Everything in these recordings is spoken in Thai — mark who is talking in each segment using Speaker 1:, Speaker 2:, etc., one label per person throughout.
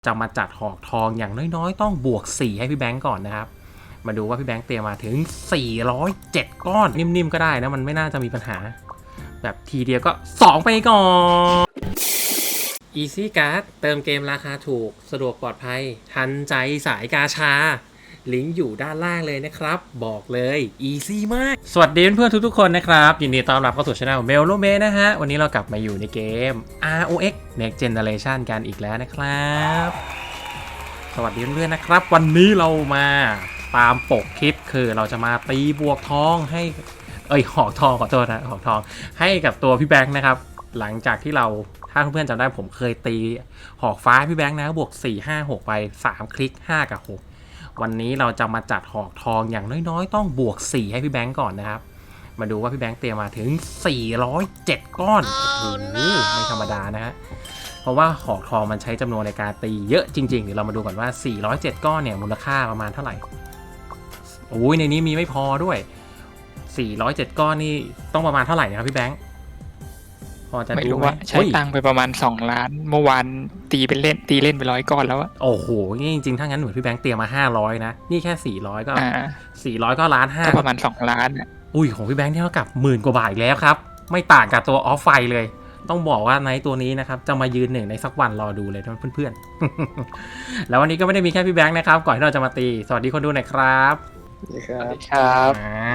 Speaker 1: จะมาจัดหอกทองอย่างน้อยๆต้องบวก4ให้พี่แบงก์ก่อนนะครับมาดูว่าพี่แบงก์เตรียมมาถึง407ก้อนนิ่มๆก็ได้นะมันไม่น่าจะมีปัญหาแบบทีเดียวก็2ไปก่อน Easy Card เติมเกมราคาถูกสะดวกปลอดภัยทันใจสายกาชาลิงก์อยู่ด้านล่างเลยนะครับบอกเลย Easy มากสวัสดีเพื่อนๆทุกๆคนนะครับยินดีต้อนรับเข้าสู่ช่องเมลโลเมนะฮะวันนี้เรากลับมาอยู่ในเกม ROX Next Generation กันอีกแล้วนะครับสวัสดีเพื่อนๆนะครับวันนี้เรามาตามปกคลิปคือเราจะมาตีบวกทองให้หอกทองขอโทษนะหอกทองให้กับตัวพี่แบงค์นะครับหลังจากที่เราถ้าเพื่อนๆจำได้ผมเคยตีหอกฟ้าพี่แบงค์นะบวก4 5 6ไป3คลิก5กับ6วันนี้เราจะมาจัดหอกทองอย่างน้อยๆต้องบวก4ให้พี่แบงค์ก่อนนะครับมาดูว่าพี่แบงค์เตรียมมาถึง407ก้อนโอ้โหไม่ธรรมดานะฮะเพราะว่าหอกทองมันใช้จำนวนในการตีเยอะจริงๆเดี๋ยวเรามาดูก่อนว่า407ก้อนเนี่ยมูลค่าประมาณเท่าไหร่โอ้ยในนี้มีไม่พอด้วย407ก้อนนี่ต้องประมาณเท่าไหร่นะครับพี่แบงค์พอจะ
Speaker 2: ไม่รู้ว่าใช้ตังค์ไปประมาณ2 ล้านเมื่อวานตีเล่นไป100 ก้อนแล้วอะ
Speaker 1: โอ้โหนี่จริงๆถ้างั้นเหมือนพี่แบงค์เตรียมมา500นะนี่แค่400ก็400ก็1.5 ล้าน
Speaker 2: ก็ประมาณ2 ล้านอ่ะ
Speaker 1: อุ้ยของพี่แบงค์เท่ากับ10,000 กว่าบาทอีกแล้วครับไม่ต่างกับตัวออฟไฟเลยต้องบอกว่าในตัวนี้นะครับจะมายืนหนึ่งในสักวันรอดูเลยเพื่อนๆ แล้ววันนี้ก็ไม่ได้มีแค่พี่แบงค์นะครับก่อนที่เราจะมาตีสวัสดีคนดูหน่อยครับ
Speaker 2: สวัสดีครับ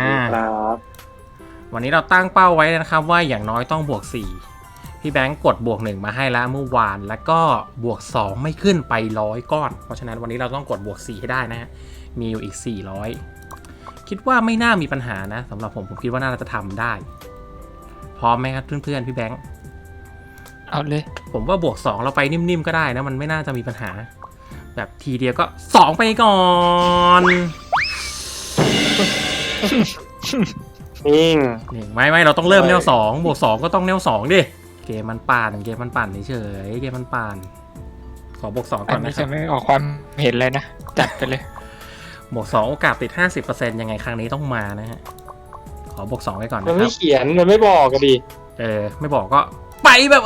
Speaker 1: วันนี้เราตั้งเป้าไว้นะครับว่าอย่างน้อยต้องบวก4พี่แบงค์กดบวก1มาให้แล้วเมื่อวานแล้วก็บวก2ไม่ขึ้นไป100ก้อนเพราะฉะนั้นวันนี้เราต้องกดบวก4ให้ได้นะฮะมีอยู่อีก400คิดว่าไม่น่ามีปัญหานะสำหรับผมคิดว่าน่าจะทำได้พร้อมไหมครับเพื่อนๆพี่แบงค์
Speaker 2: เอาเลย
Speaker 1: ผมว่าบวก2เราไปนิ่มๆก็ได้นะมันไม่น่าจะมีปัญหาแบบทีเดียวก็2ไปก่อน
Speaker 3: นิ่ง
Speaker 1: ไม่เราต้องเริ่มแนว2บวก2ก็ต้องแนว2ดิเกมมันปั่นเฉยเกมมันปั่นขอบวก2ก่อนนะครับ
Speaker 2: จะไม่ออกความเห็นเลยนะจัดไปเลย
Speaker 1: บวก2โอกาสติด 50% ยังไงครั้งนี้ต้องมานะฮะขอบวก2ไว้ก่อนนะครับ
Speaker 3: มันไม่เขียนมันไม่บอกกันดิ
Speaker 1: ไม่บอกก็ไปแบบ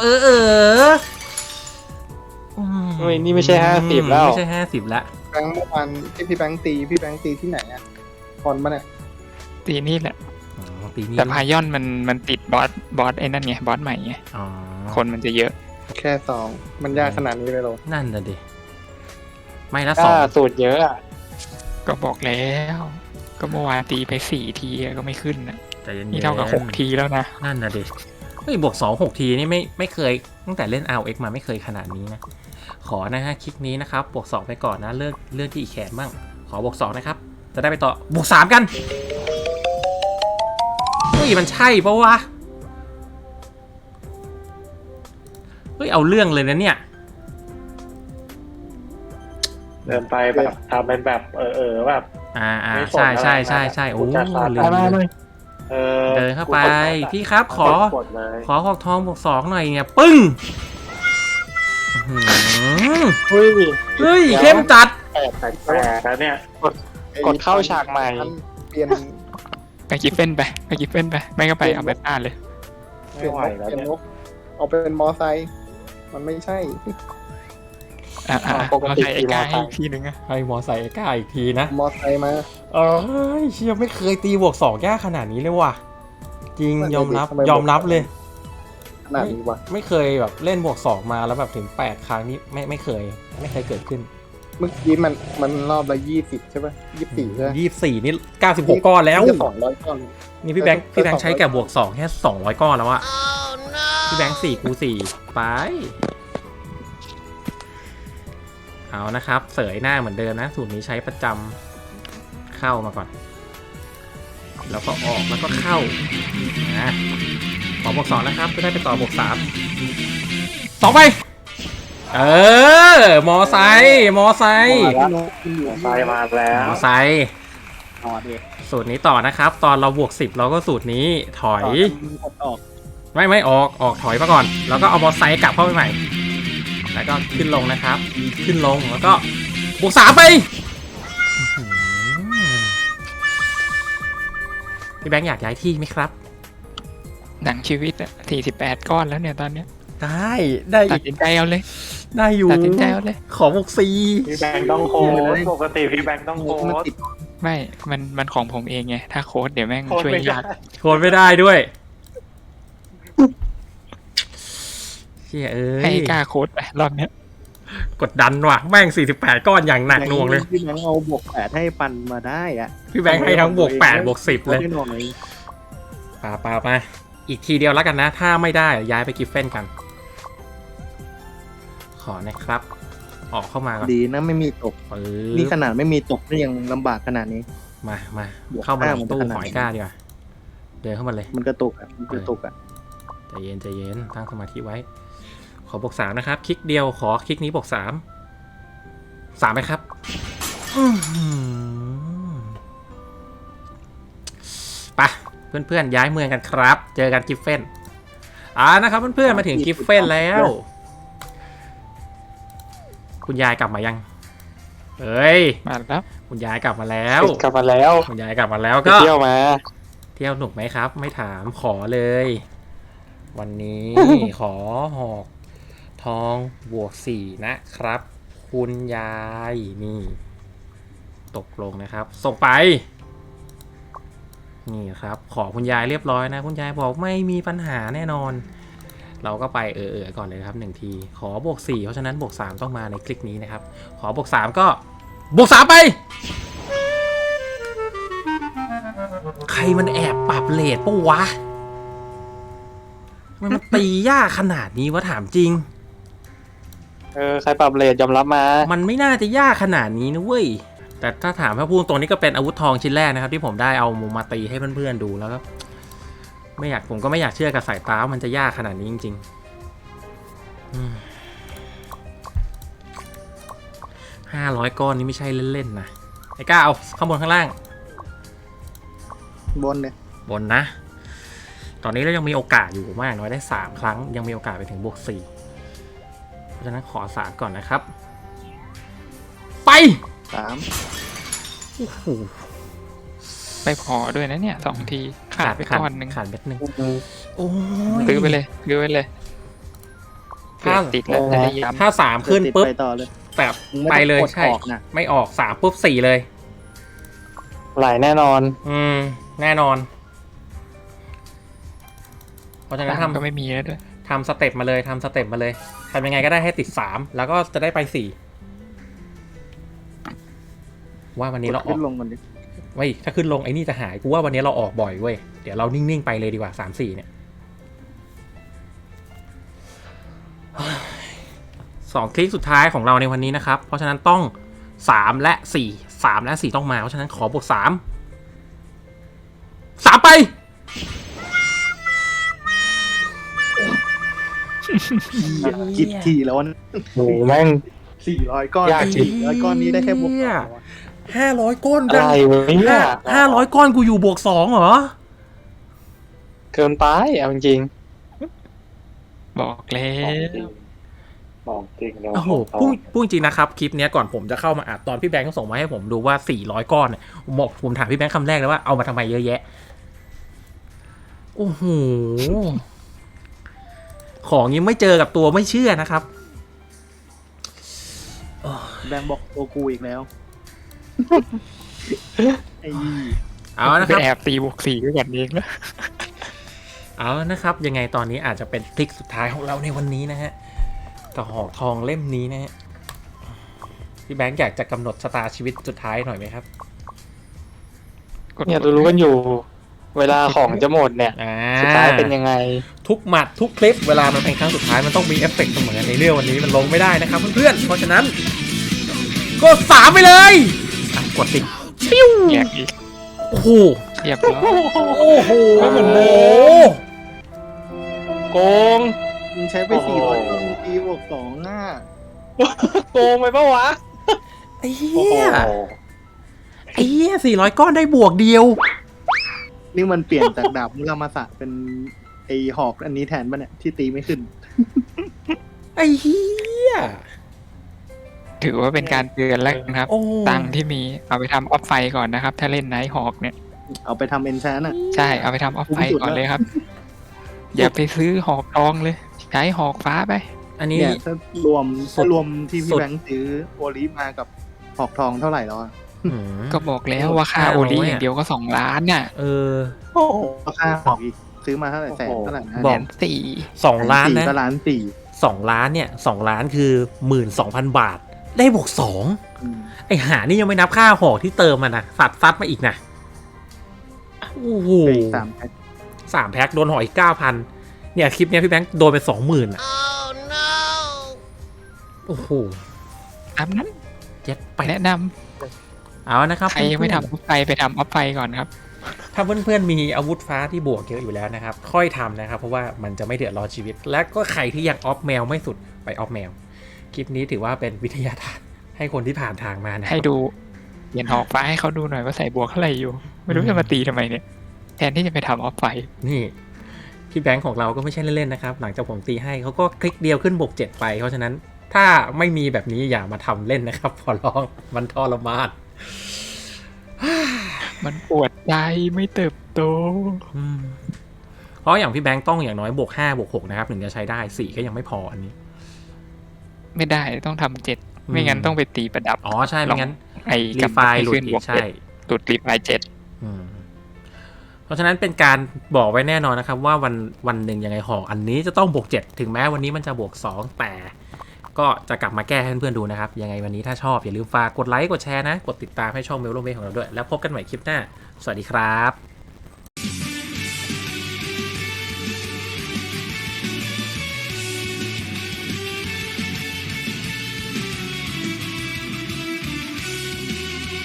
Speaker 3: นี่ไม่ใช่50แล้ว
Speaker 1: ไม่ใช่50แล้ว
Speaker 4: แบงค์เมื่อวานที่พี่แบงค์ตีที่ไหนอ่ะคอนปะเนี่ย
Speaker 2: ตีนี่แหละแต่พายอนมันติดบอสไอ้นั่นไงบอสใหม่ไงคนมันจะเยอะ
Speaker 4: แค่2มันยากขนาดนี้เลยหรอ
Speaker 1: นั่นน่ะดิไม่ละ
Speaker 3: 2สูตรเยอะอ่ะ
Speaker 2: ก็บอกแล้วก็เมื่อวานตีไป4 ทีก็ไม่ขึ้นนะ
Speaker 1: แต่
Speaker 2: นี่เท่ากับ6 ทีแล้วนะ
Speaker 1: นั่นน่ะดิบวก2 6 ทีนี่ไม่เคยตั้งแต่เล่น ROX มาไม่เคยขนาดนี้นะขอนะฮะคลิกนี้นะครับบวก2ไปก่อนนะเลือกที่อีกแขนบ้างขอบวก2นะครับจะได้ไปต่อบวก3กันมันใช่ปะวะเอาเรื่องเลยนะเนี่ย
Speaker 3: เดินไปแบบทำเป็นแบบแบบ
Speaker 1: ใช่โอ้เดินเข้าไปพี่ครับขอหอกทองบวก2หน่อยเนี่ยปึ้งเฮ้ยเข้มจัด
Speaker 3: แล้วเนี่ยกดเข้าฉากใหม่
Speaker 4: เปลี่ยน
Speaker 2: ไปกิฟเฟ่นไปไม่ก็ไปเอาแบบอ่านเลย
Speaker 4: เปลี่ยนนกเอาเป็นมอไซค์มันไม่ใช่
Speaker 2: ปกติไอ้ก้าอีกทีนึงอะ
Speaker 1: ให้มอไซค์ไอ้ก้าอีกทีนะ
Speaker 4: มอไซค์มา
Speaker 1: เชี่ยไม่เคยตีบวก2ยากขนาดนี้เลยว่ะจริงยอมรับเลย
Speaker 4: ขนาดนี้ว่ะ
Speaker 1: ไม่เคยแบบเล่นบวก2มาแล้วแบบถึง8ครั้งนี้ไม่เคยเกิดขึ้น
Speaker 4: เมื่อกี้มันรอบละ20ใช่ป่ะ24ใช่
Speaker 1: 24นี่96ก้อนแล้ว
Speaker 4: 200ก้อน
Speaker 1: นี่พี่แบงค์ใช้แก่บวก2แค่200ก้อนแล้วอะพี่แบงค์4กู4ไปเอานะครับเสยหน้าเหมือนเดิมนะสูตรนี้ใช้ประจำเข้ามาก่อนแล้วก็ออกแล้วก็เข้านะขอบวก2นะครับจะได้ไปต่อบวก3ไปมอไซค์
Speaker 3: มาแล้ว
Speaker 1: มอไซค์สูตรนี้ต่อนะครับตอนเราบวก10เราก็สูตรนี้ถอยไม่ออกถอยมาก่อนแล้วก็เอามอไซค์กลับเข้าไปใหม่แล้วก็ขึ้นลงนะครับขึ้นลงแล้วก็บวก3ไปพี่แบงค์อยากย้ายที่ไหมครับ
Speaker 2: หนังชีวิต48ก้อนแล้วเนี่ยตอนเนี้ย
Speaker 1: ได้
Speaker 2: ตัดสินใจเอาเลย
Speaker 1: ได้อยู่
Speaker 2: ตัดสินใจเอาเลย
Speaker 1: ขอบวกสี่
Speaker 3: พี่แบงค์ต้องโค้ดปกติพี่แบงค์ต้องโค้
Speaker 4: มัน
Speaker 3: ด
Speaker 4: ติด
Speaker 2: ไม่มันของผมเองไงถ้าโค้ดเดี๋ยวแม่ง
Speaker 3: โค้ด
Speaker 2: ช่วย
Speaker 3: ไม่
Speaker 2: ยา
Speaker 3: ได้
Speaker 2: ก
Speaker 1: โคนไม่ได้ด้วยเชี่ยเอ้
Speaker 2: ให้
Speaker 1: ย
Speaker 2: กล้าโค้ดไปรอบเนี้ย
Speaker 1: กดดันว่ะแม่ง48ก้อนอย่างหนักหน่วงเลย
Speaker 5: พี่แบงค์เอาบวก8ให้ปันมาได้อะ
Speaker 1: พี่แบงค์ให้ทั้งบวก8บวก10เลย
Speaker 5: ได้หน่อย
Speaker 1: ปามาอีกทีเดียวแล้วกันนะ ถ้าไม่ได้ย้ายไปกิฟเฟนกัน ขอนะครับ ออกเข้ามาก่อน
Speaker 5: ดีนะไม่มีตก
Speaker 1: ปึ๊
Speaker 5: นี่
Speaker 1: บ
Speaker 5: ขนาดไม่มีตกนี่ยังลำบากขนาดนี้
Speaker 1: มา
Speaker 5: บวก
Speaker 1: เข้ามา
Speaker 5: ห้า
Speaker 1: ใน
Speaker 5: มัน
Speaker 1: ตู้
Speaker 5: ขนาด
Speaker 1: หอยก้าดีกว่าเดินเข้ามาเลย
Speaker 5: มันกระตุกอ่ะมันกระตุกอ่ะ
Speaker 1: ใจเย็นตั้งสมาธิไว้ ขอบวก3นะครับ คลิกเดียวขอคลิกนี้บวก3 3ไหมครับอื้อหือไปเพื่อนๆย้ายเมืองกันครับ เจอกันกิฟเฟนนะครับเพื่อนๆมาถึงกิฟเฟนแล้ว คุณยายกลับมายังเอ้ย
Speaker 2: มาแล้ว
Speaker 1: คุณยายกลับมาแล้ว
Speaker 3: กลับมาแล้ว
Speaker 1: คุณยายกลับมาแล้ว
Speaker 3: ไป
Speaker 1: ก็
Speaker 3: เที่ยวมา
Speaker 1: เที่ยวหนุกไหมครับ ไม่ถามขอเลย วันนี้ ขอหอกทองบวก4นะครับ คุณยายนี่ ตกลงนะครับ ส่งไป นี่ครับ ขอคุณยายเรียบร้อยนะ คุณยายบอกไม่มีปัญหาแน่นอน เราก็ไปก่อนเลยครับ1ทีขอบวก4เพราะฉะนั้นบวก3ต้องมาในคลิกนี้นะครับ ขอบวก3ก็บวก3ไป ใครมันแอบปรับเลทปะวะมันตียากขนาดนี้วะถามจริง
Speaker 3: ใครปรับเลทยอมรับมา
Speaker 1: มันไม่น่าจะยากขนาดนี้นะเว้ย แต่ถ้าถามพระพูดตรงนี้ก็เป็นอาวุธทองชิ้นแรกนะครับที่ผมได้เอามาตีให้เพื่อนๆดูแล้วก็ผมก็ไม่อยากเชื่อกับสายตาว่ามันจะยากขนาดนี้จริงๆ500 ก้อนนี้ไม่ใช่เล่นๆนะไอ้ก้าเอาข้างบนข้างล่าง
Speaker 5: บนเนี่ย
Speaker 1: บนนะ ตอนนี้เรายังมีโอกาสอยู่มากน้อยได้3ครั้งยังมีโอกาสไปถึงบวก4เพราะฉะนั้นขอ3ก่อนนะครับ ไป
Speaker 5: 3
Speaker 1: โอ้โห
Speaker 2: ไม่พอด้วยนะเนี่ย2 ทีขาดไปก้อนหนึ่ง
Speaker 1: ขาดเม็ดหนึ่งโอ้ย
Speaker 2: ซื้อไปเลย
Speaker 1: ถ้า
Speaker 2: เกิดติดแล้วจะได้ย้ำ
Speaker 1: ถ้า3ขึ้นปุ๊บ
Speaker 5: ไปต่อเลย
Speaker 1: แบบไปเลยใช่
Speaker 5: ออกนะ
Speaker 1: ไม่ออก3ปุ๊บ4เลย
Speaker 3: ไหลแน่นอน
Speaker 1: แน่นอน เพราะฉะนั้น
Speaker 2: 3ก็ไม่มีแล้วด้วย
Speaker 1: ทำสเต็ปมาเลยทำสเต็ปมาเลยทำยังไงก็ได้ให้ติด3แล้วก็จะได้ไป4ว่าวันนี้เราออ
Speaker 5: ขึ้
Speaker 1: ก
Speaker 5: นลงกันดิ
Speaker 1: เว้ยถ้าขึ้นลงไอ้นี่จะหายกูว่าวันนี้เราออกบ่อยเว้ยเดี๋ยวเรานิ่งๆไปเลยดีกว่า3-4เนี่ย2 คลิกสุดท้ายของเราในวันนี้นะครับเพราะฉะนั้นต้อง3และ4 3และ4ต้องมาเพราะฉะนั้นขอบวก3ไป
Speaker 5: คิดทีแล้วนะ
Speaker 3: โหแม่ง
Speaker 5: 400 ก้อน
Speaker 3: ยากจริง
Speaker 5: 400 ก้อนนี้ได้แค่บวก
Speaker 1: 500 ก้อน
Speaker 3: อะไรวะเนี่ย
Speaker 1: 500 ก้อนกูอยู่บวก2เหรอ
Speaker 3: เกินไปเอาจริง
Speaker 2: บอกแล้ว
Speaker 3: บอกจริงเลย
Speaker 1: โอ้โหพูดจริงนะครับคลิปเนี้ยก่อนผมจะเข้ามาอัดตอนพี่แบงค์ก็ส่งมาให้ผมดูว่า400 ก้อนเนี่ยผมถามพี่แบงค์คำแรกเลยว่าเอามาทำไมเยอะแยะโอ้โหของยังไม่เจอกับตัวไม่เชื่อนะครับ
Speaker 5: แบงค์บอกโอกูอีกแล้วไอ้
Speaker 1: เอานะค
Speaker 2: ไป
Speaker 1: รับ
Speaker 2: แอบตีบวก4ด้วยกันเองแล้ว
Speaker 1: เอานะครับ ยังไงตอนนี้อาจจะเป็นคลิกสุดท้ายของเราในวันนี้นะฮะกับหอกทองเล่มนี้นะฮะพี่แบงค์อยากจะกำหนดชะตาชีวิตสุดท้ายหน่อยไหมครับ
Speaker 3: เนี่ยรู้กันอยู่ เวลาของจะหมดเนี่ย สุดท้ายเป็นยังไง
Speaker 1: ทุกหมัดทุกคลิปเวลามันเป็นครั้งสุดท้ายมันต้องมีเอฟเฟกต์เสมอในเรื่องวันนี้มันลงไม่ได้นะครับเพื่อนๆเพราะฉะนั้นกด3ไปเลยกดติดปิ้ว
Speaker 2: แยกอีก
Speaker 1: โอ้โห
Speaker 2: เรียบร้อย
Speaker 1: โอ้โห
Speaker 3: ไม่เหมือนเดิม โกง
Speaker 5: มึงใช้ไป
Speaker 3: โอ้โห
Speaker 5: 400 ก้อนตีบวก2อ่ะ
Speaker 3: โกงไปปะวะ
Speaker 1: ไอ้เหี้ย400 ก้อนได้บวกเดียว
Speaker 5: นี่มันเปลี่ยนจากดาบมุรามาสะเป็นไอหอกอันนี้แทนป่ะเนี่ยที่ตีไม่ขึ้น
Speaker 1: ไอ้เหี้ย
Speaker 2: ถือว่าเป็นการเตือนแล้วนะครับ
Speaker 1: โอ้
Speaker 2: ตังค์ที่มีเอาไปทำออฟไฟก่อนนะครับ ถ้าเล่นไนท์ฮอกเนี่ย
Speaker 5: เอาไปทำเอนชานอ่ะ
Speaker 2: ใช่เอาไปทำออฟไฟก่อนเลยครับ อย่าไปซื้อหอกทองเลย ใช้หอกฟ้าไป
Speaker 1: อันนี้
Speaker 5: เนี่ยถ้ารวมที่
Speaker 1: สุ
Speaker 5: พี่
Speaker 1: ด
Speaker 5: แบงค์ซื้อโอลิฟมากับหอกทองเท่าไหร่แล้วอะ
Speaker 1: อืม
Speaker 2: ก็บอกแล้วว่าค่าโอลีอย่างเดียวก็2 ล้านน่ะ
Speaker 1: เออ
Speaker 4: โอ้โห
Speaker 5: ราคาหอกอีกซื้อมาเท่าไหร่แสนเท่าไหร่นะ
Speaker 1: บอก
Speaker 2: 1,400,000
Speaker 1: 2 ล้านนะ
Speaker 5: ก็ล้านสี่
Speaker 1: 2 ล้านเนี่ย2 ล้านคือ 12,000 บาท ได้บวก 2
Speaker 5: อืม
Speaker 1: ไอหานี่ยังไม่นับค่าหอกที่เติมมันนะซัดมาอีกนะโอ้โห
Speaker 5: ไปอีก3 แพ็ค
Speaker 1: 3 แพ็คโดนหอกอีก 9,000 เนี่ยคลิปเนี้ยพี่แบงค์โดนไป 20,000อ่ะโอ้โห
Speaker 2: ตามนั้น
Speaker 1: เจ็ดไป
Speaker 2: แนะน
Speaker 1: เอานะครับ
Speaker 2: ำใครยังไม่ทำออฟไฟไปทำออฟไฟก่อนครับ
Speaker 1: ถ้าเพื่อนๆมีอาวุธฟ้าที่บวกเยอะอยู่แล้วนะครับ ค่อยทำนะครับ เพราะว่ามันจะไม่เดือดร้อนชีวิต และก็ใครที่ยังออฟแมวไม่สุดไปออฟแมว คลิปนี้ถือว่าเป็นวิทยาทานให้คนที่ผ่านทางมานะ
Speaker 2: ให้ดูเปลี่ยนหอกฟ้าให้เขาดูหน่อยว่าใส่บวกเท่าไหร่อยู่ ไม่รู้จะมาตีทำไมเนี่ย แทนที่จะไปทำออฟไฟ
Speaker 1: นี่พี่แบงค์ของเราก็ไม่ใช่เล่นๆนะครับ หลังจากผมตีให้เขาก็คลิกเดียวขึ้นบวก 7 ไป เพราะฉะนั้นถ้าไม่มีแบบนี้อย่ามาทำเล่นนะครับขอร้องมันทรมาน
Speaker 2: มันปวดใจไม่เติบโต
Speaker 1: เพราะอย่างพี่แบงค์ต้องอย่างน้อยบวก5บวก6นะครับถึงจะใช้ได้4ก็ยังไม่พออันนี้
Speaker 2: ไม่ได้ต้องทำ7ไม่งั้นต้องไปตีประดับ
Speaker 1: อ๋อใช่ไม่งั้น
Speaker 2: ไอ้
Speaker 1: รี
Speaker 2: กับ
Speaker 1: ไฟล์หลุด
Speaker 2: ขึ้น
Speaker 1: อี
Speaker 2: บว
Speaker 1: ก
Speaker 2: ก
Speaker 1: ใช่
Speaker 2: หลุดรีไฟล์7
Speaker 1: อืมเพราะฉะนั้นเป็นการบอกไว้แน่นอนนะครับ ว่าวันหนึ่งยังไงหอกอันนี้จะต้องบวก7ถึงแม้วันนี้มันจะบวก2แต่ก็จะกลับมาแก้ให้เพื่อนๆดูนะครับยังไงวันนี้ถ้าชอบอย่าลืมฝากกดไลค์กดแชร์นะกดติดตามให้ช่องเมลโลเมของเราด้วยแล้วพบกันใหม่คลิปหน้าสวัสดีครับ